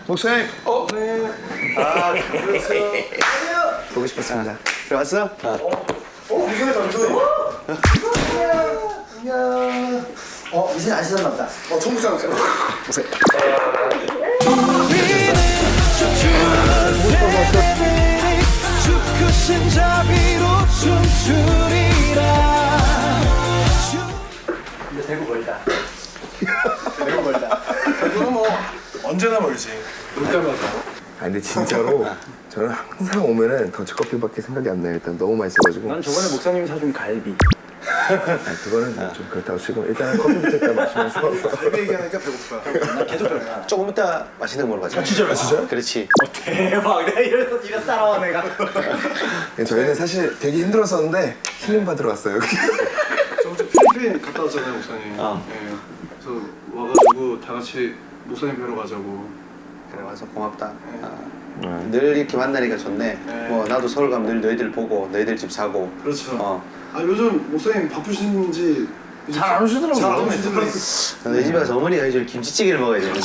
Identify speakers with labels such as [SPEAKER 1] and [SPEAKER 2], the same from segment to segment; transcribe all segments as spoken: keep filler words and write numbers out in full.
[SPEAKER 1] 목사님.
[SPEAKER 2] 어? 네. 아, 그렇죠.
[SPEAKER 1] 보고 싶었습니다. 들어왔어?
[SPEAKER 2] 어? 어? 이상해, 잠시만요. 안녕. 어, 이제 안 씻었나 보다. 어, 청국장.
[SPEAKER 1] 보세요.
[SPEAKER 2] 근데 대구 멀다. 대구 멀다. 대구는 뭐 언제나 멀지. 올 때마다.
[SPEAKER 1] 아 근데 진짜로 저는 항상 오면은 더치커피밖에 생각이 안 나요. 일단 너무 맛있어가지고.
[SPEAKER 3] 난 저번에 목사님이 사준 갈비.
[SPEAKER 1] 아 그거는 좀 그렇다고 치고 일단은 커피부터 일단 마시면서.
[SPEAKER 2] 갈비 얘기하니까 배고파.
[SPEAKER 3] 난 계속 배고파.
[SPEAKER 4] 조금 이따 맛있는 거 먹으러 가자.
[SPEAKER 2] 아, 진짜로? 아, 진짜요?
[SPEAKER 4] 그렇지.
[SPEAKER 3] 어, 대박. 내가 이래서 네가 따라와 내가.
[SPEAKER 1] 저희는 사실 되게 힘들었었는데 힐링 받으러 왔어요.
[SPEAKER 5] 저 어제 필리핀 갔다 왔잖아요, 목사님.
[SPEAKER 4] 어.
[SPEAKER 5] 네. 그래서 와가지고 다 같이 목사님 뵈러 가자고.
[SPEAKER 4] 그래 와서 고맙다.
[SPEAKER 5] 네.
[SPEAKER 4] 아,
[SPEAKER 1] 네.
[SPEAKER 4] 늘 이렇게 만나니까 좋네.
[SPEAKER 5] 네.
[SPEAKER 4] 뭐 나도 서울 가면 늘 너희들 보고 너희들 집 사고.
[SPEAKER 5] 그렇죠.
[SPEAKER 4] 어.
[SPEAKER 5] 아 요즘 목사님 바쁘신지
[SPEAKER 3] 잘 안 오시더라고요.
[SPEAKER 5] 잘안 오시더라고요.
[SPEAKER 4] 너희 집에 가서 어머니가 해줄 김치찌개를 먹어야 되는데.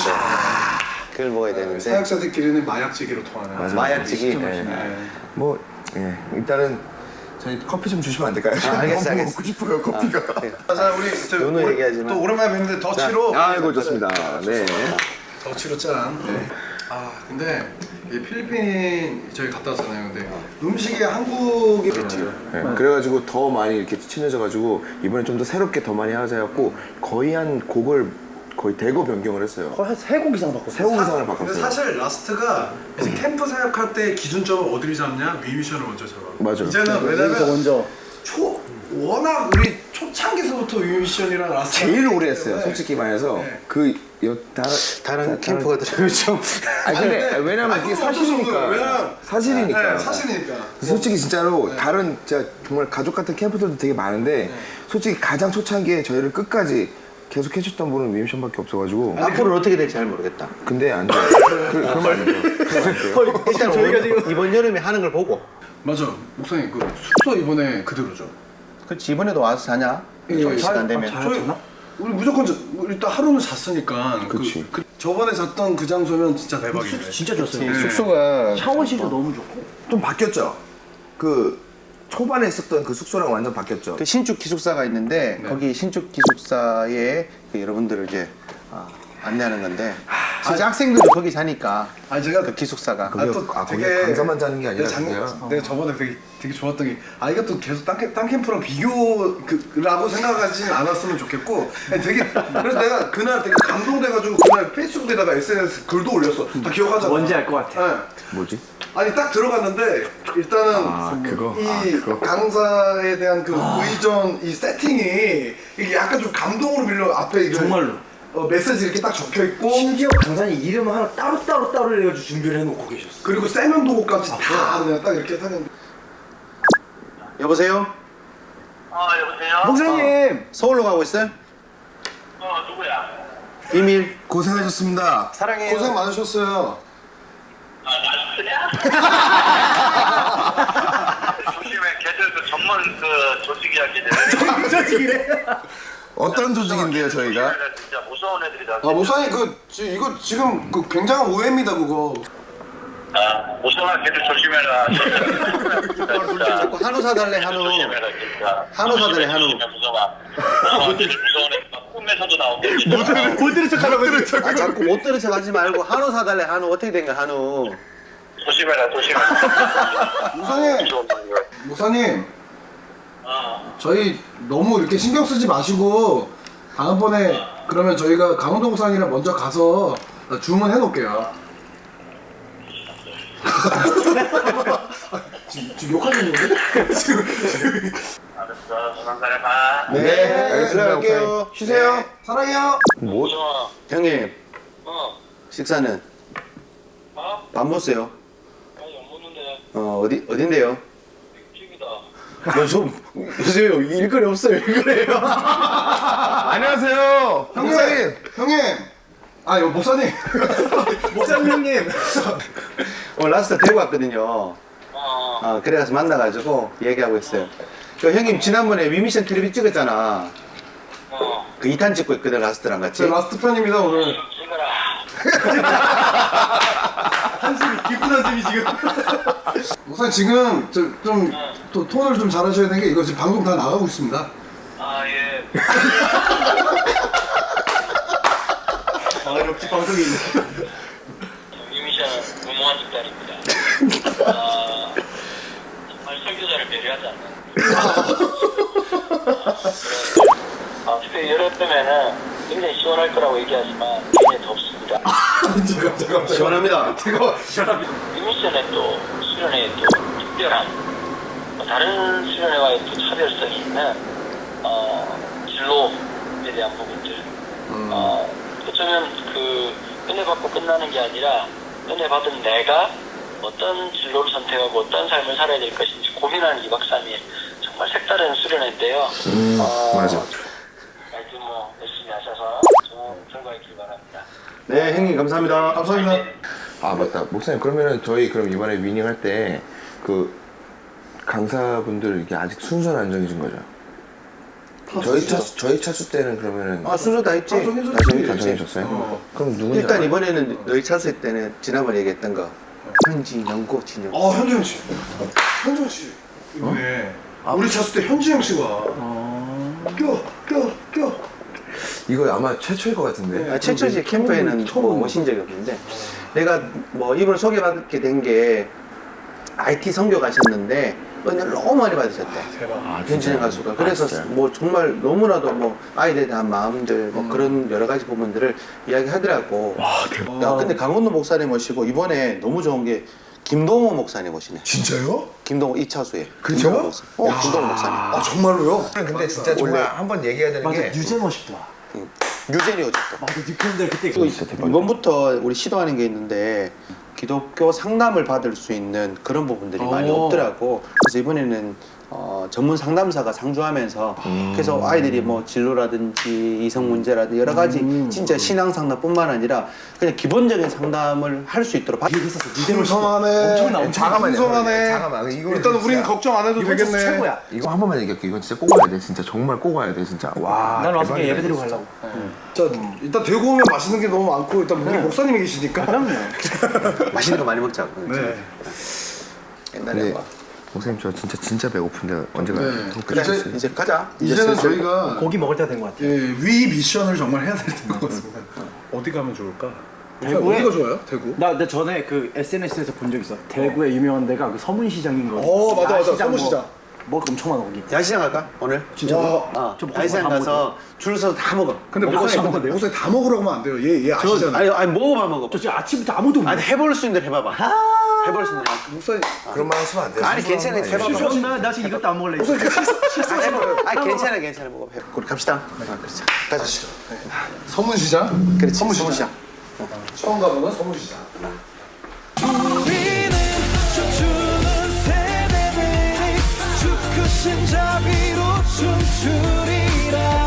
[SPEAKER 4] 그걸 먹어야 되는데.
[SPEAKER 5] 사역자들끼리는 마약찌개로 통하네요.
[SPEAKER 1] 맞아.
[SPEAKER 4] 마약찌개.
[SPEAKER 1] 네.
[SPEAKER 5] 네.
[SPEAKER 1] 뭐 예, 일단은 저희 커피 좀 주시면 안 될까요?
[SPEAKER 4] 아, 알겠어,
[SPEAKER 1] 너무
[SPEAKER 4] 알겠어.
[SPEAKER 1] 먹고 싶어요 커피가.
[SPEAKER 4] 어.
[SPEAKER 5] 자 우리 저,
[SPEAKER 4] 누누이
[SPEAKER 5] 오래-
[SPEAKER 4] 얘기하지만.
[SPEAKER 5] 또 오랜만에 뵀는데 더치로.
[SPEAKER 1] 아이고 좋습니다. 네.
[SPEAKER 5] 더치로 짠. 네. 아 근데 이 필리핀 저희 갔다 왔잖아요. 근데 음식이 한국이 그렇죠.
[SPEAKER 1] 네. 그래가지고 더 많이 이렇게 친해져가지고 이번에 좀 더 새롭게 더 많이 하자 해갖고 거의 한 곡을 거의 대거 변경을 했어요.
[SPEAKER 3] 거의 세곡 이상 바꿨어.
[SPEAKER 1] 세 곡 이상을
[SPEAKER 5] 근데
[SPEAKER 1] 바꿨어요.
[SPEAKER 5] 사실 라스트가 이제 캠프 사역할 때 기준점을 어디를 잡냐? 위미션을 먼저 잡아.
[SPEAKER 1] 맞아.
[SPEAKER 5] 이제는
[SPEAKER 3] 여기서
[SPEAKER 5] 왜냐면
[SPEAKER 3] 먼저
[SPEAKER 5] 초 워낙 우리 초창기서부터 위미션이랑 라스트
[SPEAKER 1] 제일 오래 했어요. 솔직히 말해서
[SPEAKER 5] 네.
[SPEAKER 1] 그 여, 다,
[SPEAKER 4] 다른 캠프가 들으면 좀.
[SPEAKER 1] 아 근데 왜냐면 이게
[SPEAKER 5] 아니, 어쩔 수
[SPEAKER 1] 사실이니까.
[SPEAKER 5] 없어요. 왜냐면
[SPEAKER 1] 사실이니까.
[SPEAKER 5] 네, 사실이니까.
[SPEAKER 1] 솔직히 진짜로
[SPEAKER 5] 네.
[SPEAKER 1] 다른 진짜 정말 가족 같은 캠프들도 되게 많은데
[SPEAKER 5] 네.
[SPEAKER 1] 솔직히 가장 초창기에 저희를 끝까지 계속 해줬던 분은 위미션밖에 없어가지고
[SPEAKER 4] 앞으로는 어떻게 될지 잘 모르겠다.
[SPEAKER 1] 근데 안 돼요. 그, 그러면 안 돼요. 그러면 안 돼요.
[SPEAKER 4] 일단
[SPEAKER 3] 저희가
[SPEAKER 4] 올-
[SPEAKER 3] 지금-
[SPEAKER 4] 이번 여름에 하는 걸 보고.
[SPEAKER 5] 맞아. 목사님 그 숙소 이번에 그대로죠.
[SPEAKER 4] 그렇지 이번에도 와서 자냐?
[SPEAKER 5] 예,
[SPEAKER 4] 저희
[SPEAKER 5] 예.
[SPEAKER 4] 시간 되면.
[SPEAKER 3] 아,
[SPEAKER 5] 저희
[SPEAKER 3] 잤나?
[SPEAKER 5] 우리 무조건 자, 우리 일단 하루는 잤으니까.
[SPEAKER 1] 그치.
[SPEAKER 5] 그, 그 저번에 잤던 그 장소면 진짜 대박이네.
[SPEAKER 3] 진짜 좋았어요.
[SPEAKER 5] 네.
[SPEAKER 4] 숙소가
[SPEAKER 3] 샤워실도 너무 좋고.
[SPEAKER 1] 좀 바뀌었죠? 그 초반에 있었던 그 숙소랑 완전 바뀌었죠?
[SPEAKER 4] 그 신축 기숙사가 있는데
[SPEAKER 5] 네.
[SPEAKER 4] 거기 신축 기숙사에 그 여러분들을 이제 아, 안내하는 건데 진짜 학생들도 거기 자니까
[SPEAKER 5] 아니 제가
[SPEAKER 4] 그 기숙사가
[SPEAKER 1] 거기- 아, 거기 강사만 자는 게 아니라
[SPEAKER 5] 내가, 장,
[SPEAKER 1] 그냥?
[SPEAKER 5] 내가 저번에 되게 되게 좋았던 게 아 이것도 계속 딴, 캠- 딴 캠프랑 비교라고 생각하지 않았으면 좋겠고 아니, 되게 그래서 내가 그날 되게 감동돼가지고 그날 페이스북에다가 에스엔에스 글도 올렸어. 다 기억하잖아.
[SPEAKER 3] 뭔지 알 것 같아.
[SPEAKER 5] 네.
[SPEAKER 1] 뭐지?
[SPEAKER 5] 아니 딱 들어갔는데 일단은
[SPEAKER 1] 아 그거?
[SPEAKER 5] 이
[SPEAKER 1] 아 그거?
[SPEAKER 5] 강사에 대한 그 의전 이 세팅이 이게 약간 좀 감동으로 밀려 앞에 이거
[SPEAKER 3] 정말로.
[SPEAKER 5] 어, 메시지 이렇게 딱 적혀 있고
[SPEAKER 3] 심지어 강사님 이름 하나 따로 따로 따로 해가지고 준비를 해놓고 계셨어.
[SPEAKER 5] 그리고 세면도구까지 다 그냥 딱 이렇게 하는.
[SPEAKER 4] 여보세요?
[SPEAKER 6] 아 여보세요?
[SPEAKER 3] 목사님.
[SPEAKER 4] 서울로 가고 있어요?
[SPEAKER 6] 어 누구야?
[SPEAKER 4] 비밀.
[SPEAKER 1] 고생하셨습니다.
[SPEAKER 3] 사랑해요.
[SPEAKER 5] 고생 많으셨어요.
[SPEAKER 6] 아 나스야? 조심해 걔들 그 전문 그 조직 이야기들
[SPEAKER 3] 조직이래.
[SPEAKER 1] 어떤 조직인데요 저희가?
[SPEAKER 6] 진짜 무서운 애들이다.
[SPEAKER 5] 아 목사님 그 지, 이거 지금 그 굉장한 오해입니다 그거.
[SPEAKER 6] 아 무서운 걔들 조심해라. 진짜.
[SPEAKER 4] 자꾸 한우 사달래 한우.
[SPEAKER 6] 조심해라 진짜.
[SPEAKER 4] 한우 사달래 한우.
[SPEAKER 6] 무서워. 무서워 애들 무서운 애. 막 꿈에서도 나오고. 진짜.
[SPEAKER 3] 못 들은 척하라고 했죠.
[SPEAKER 4] 아 자꾸 못 들은 척 하지 말고 한우 사달래 한우. 어떻게 된 거야 한우?
[SPEAKER 6] 조심해라 조심해라.
[SPEAKER 5] 목사님
[SPEAKER 6] 무서운 놈이야.
[SPEAKER 5] 목사님
[SPEAKER 6] 어.
[SPEAKER 5] 저희 너무 이렇게 신경 쓰지 마시고 다음번에 그러면 저희가 강원동산이랑 먼저 가서 주문해 놓을게요. 지금, 지금 욕하는 건데? 지금
[SPEAKER 6] 알았어. 조만간에 봐.
[SPEAKER 1] 네, 알겠습니다.
[SPEAKER 4] 들어갈게요.
[SPEAKER 1] 목사님. 쉬세요.
[SPEAKER 5] 사랑해요.
[SPEAKER 1] 뭐?
[SPEAKER 6] 무서워.
[SPEAKER 4] 형님
[SPEAKER 6] 어.
[SPEAKER 4] 식사는
[SPEAKER 6] 어?
[SPEAKER 4] 밥 먹었어요?
[SPEAKER 6] 아니 안 먹는데.
[SPEAKER 4] 어 어디 어딘데요?
[SPEAKER 6] 튀기다.
[SPEAKER 4] 요즘 요새 일거리 없어요 일거리요.
[SPEAKER 1] 안녕하세요.
[SPEAKER 5] 형님,
[SPEAKER 1] 목사님.
[SPEAKER 5] 형님. 아, 이거 목사님.
[SPEAKER 3] 목사님 형님.
[SPEAKER 4] 오늘 라스트 대구 왔거든요.
[SPEAKER 6] 어.
[SPEAKER 4] 아 그래가지고 만나가지고 얘기하고 있어요. 그 형님 지난번에 위미션 텔레비 찍었잖아.
[SPEAKER 6] 어.
[SPEAKER 4] 그 이 탄 찍고 있거든 라스트랑 같이.
[SPEAKER 5] 제 라스트 편입니다, 오늘.
[SPEAKER 6] 찍어라.
[SPEAKER 3] 한숨이 깊은 한숨이 지금.
[SPEAKER 5] 목사님 지금 좀 또 톤을 좀 잘하셔야 되는 게 이거 지금 방송 다 나가고 있습니다.
[SPEAKER 6] 아, 예.
[SPEAKER 3] 아 역시 방송이 있네.
[SPEAKER 6] 이 미션은 무모한 집단입니다. 아, 정말 설교자를 배려하지 않는. 아, 특히 여름에는 굉장히 시원할 거라고 얘기하지만 굉장히 덥습니다.
[SPEAKER 4] 시원합니다.
[SPEAKER 6] 이 미션의 또 수련회의 또 특별한 뭐 다른 수련회와의 또 차별성이 있는 어, 진로에 대한 부분들 어, 어쩌면 그 은혜 받고 끝나는 게 아니라 은혜 받은 내가 어떤 진로를 선택하고 어떤 삶을 살아야 될 것인지 고민하는 이박 삼일 정말 색다른 수련회인데요.
[SPEAKER 1] 음,
[SPEAKER 6] 어,
[SPEAKER 1] 맞아.
[SPEAKER 6] 하여튼 뭐 열심히 하셔서 좋은 결과 있길 바랍니다.
[SPEAKER 4] 네, 형님 감사합니다.
[SPEAKER 5] 감사합니다.
[SPEAKER 1] 아 맞다 목사님 그러면은 저희 그럼 이번에 위닝 할 때 그 강사분들 이게 아직 순서는 안 정해진 거죠? 저희 차수 저희 차수 때는 그러면은
[SPEAKER 4] 아 순서 다 했지.
[SPEAKER 5] 다 정해졌지.
[SPEAKER 1] 다 정해- 다 정해졌어요? 그럼 누군지
[SPEAKER 4] 일단
[SPEAKER 1] 알아요?
[SPEAKER 4] 이번에는 너희 찼을 때는 지난번에 얘기했던 거 현지, 영고, 진영.
[SPEAKER 5] 어 현지영 씨. 현지영 씨 이번에 우리 찼을 때 현지영 씨가 껴, 껴, 껴.
[SPEAKER 1] 이거 아마 최초일 것 같은데.
[SPEAKER 4] 아, 최초지 캠프에는 처음 오신 적이 없는데 내가 뭐 이분을 소개받게 된 게 아이티 선교 가셨는데 은혜를 너무 많이 받으셨대.
[SPEAKER 1] 아,
[SPEAKER 4] 현진영 가수가. 그래서
[SPEAKER 1] 아, 진짜요?
[SPEAKER 4] 뭐 정말 너무나도 뭐 아이들에 대한 마음들 뭐 그런 여러 가지 부분들을 이야기하더라고.
[SPEAKER 1] 와 대박.
[SPEAKER 4] 야, 근데 강원도 목사님 모시고 이번에 너무 좋은 게 김동호 목사님 모시네.
[SPEAKER 5] 진짜요?
[SPEAKER 4] 김동호 이차수에.
[SPEAKER 5] 그쵸?
[SPEAKER 4] 김동호 목사. 어, 김동호 목사님.
[SPEAKER 5] 아 정말로요?
[SPEAKER 1] 근데 진짜 정말 한번 얘기해야 되는
[SPEAKER 3] 맞아
[SPEAKER 1] 게
[SPEAKER 3] 유재 멋있다.
[SPEAKER 4] 유재리 오셨다.
[SPEAKER 3] 맞아 뉴팬들 그때
[SPEAKER 4] 그리고 이번부터 우리 시도하는 게 있는데 기독교 상담을 받을 수 있는 그런 부분들이 많이
[SPEAKER 3] 오.
[SPEAKER 4] 없더라고. 그래서 이번에는 어, 전문 상담사가 상주하면서 그래서 아이들이 뭐 진로라든지 이성 문제라든지 여러 가지 진짜 신앙 상담뿐만 아니라 그냥 기본적인 상담을 할 수 있도록 바-
[SPEAKER 3] 얘기했었어. 유재 멋있다.
[SPEAKER 5] 풍성하네.
[SPEAKER 3] 엄청나 엄청.
[SPEAKER 1] 잠깐만요.
[SPEAKER 5] 풍성하네.
[SPEAKER 1] 잠깐만. 이거
[SPEAKER 5] 일단 우린 걱정 안 해도
[SPEAKER 3] 이번 주
[SPEAKER 5] 되겠네.
[SPEAKER 3] 최고야.
[SPEAKER 1] 이거 한 번만 얘기할게. 이건 진짜 꼭 와야 돼. 진짜 정말 꼭 와야 돼. 진짜. 와.
[SPEAKER 3] 난 와서 그냥
[SPEAKER 1] 대박이다,
[SPEAKER 3] 예배 드리고
[SPEAKER 1] 진짜.
[SPEAKER 3] 가려고.
[SPEAKER 5] 자, 일단 대구 오면 맛있는 게 너무 많고 일단 우리 목사님이 계시니까.
[SPEAKER 3] 그럼요.
[SPEAKER 4] 맛있는 거 많이 먹자.
[SPEAKER 5] 네.
[SPEAKER 4] 옛날에
[SPEAKER 1] 근데
[SPEAKER 4] 뭐.
[SPEAKER 1] 목사님 저 진짜 진짜 배고픈데 언제 가요?
[SPEAKER 5] 네.
[SPEAKER 1] 더
[SPEAKER 4] 그래,
[SPEAKER 1] 끝났어요.
[SPEAKER 4] 이제 가자. 이제
[SPEAKER 5] 이제는
[SPEAKER 4] 슬슬.
[SPEAKER 5] 저희가
[SPEAKER 3] 고기 먹을 때가 된 것 같아.
[SPEAKER 5] 예, 위 미션을 정말 해야 될 것 같습니다.
[SPEAKER 2] 어디 가면 좋을까?
[SPEAKER 3] 대구에-
[SPEAKER 5] 어디가 좋아요? 대구?
[SPEAKER 3] 나, 나 전에 그 에스엔에스에서 본 적 있어. 대구에 유명한 데가 그 서문시장인 거.
[SPEAKER 5] 어, 맞아, 맞아.
[SPEAKER 3] 야시장
[SPEAKER 5] 서문시장.
[SPEAKER 3] 뭐, 먹을 거 엄청 많아 거기.
[SPEAKER 4] 야시장 갈까? 오늘?
[SPEAKER 3] 진짜.
[SPEAKER 5] 와.
[SPEAKER 4] 어,
[SPEAKER 3] 저 먹고
[SPEAKER 4] 야시장
[SPEAKER 3] 다
[SPEAKER 4] 가서 줄 서서 다 먹어.
[SPEAKER 5] 근데
[SPEAKER 3] 먹고
[SPEAKER 5] 목사님,
[SPEAKER 3] 싶은 건데요?
[SPEAKER 5] 목사님 다 먹으라고 하면 안 돼요. 얘, 얘
[SPEAKER 4] 저,
[SPEAKER 5] 아시잖아요.
[SPEAKER 4] 아니, 아니 먹어봐 먹어봐.
[SPEAKER 3] 저 지금 아침부터 아무도 없네.
[SPEAKER 4] 아니 해볼 수 있는 대로 해봐봐. 해볼 수 있는 대로.
[SPEAKER 5] 목사님,
[SPEAKER 1] 그런 말 하시면 안 돼요.
[SPEAKER 4] 아니 괜찮아 해봐봐.
[SPEAKER 3] 실수 나, 나 지금 이것도 안 먹을래.
[SPEAKER 5] 목사님
[SPEAKER 4] 아, 해봐. 아니 괜찮아 괜찮아 먹어봐. 해봐. 우리 갑시다. 아, 그렇지. 가시죠.
[SPEAKER 5] 서문시장?
[SPEAKER 4] 그렇지.
[SPEAKER 5] 서문시장.
[SPEAKER 4] 서문시장.
[SPEAKER 5] 처음 가보는 서문시장.
[SPEAKER 7] 우리는 춤추는 세대들이 주 크신 자비로 춤추리라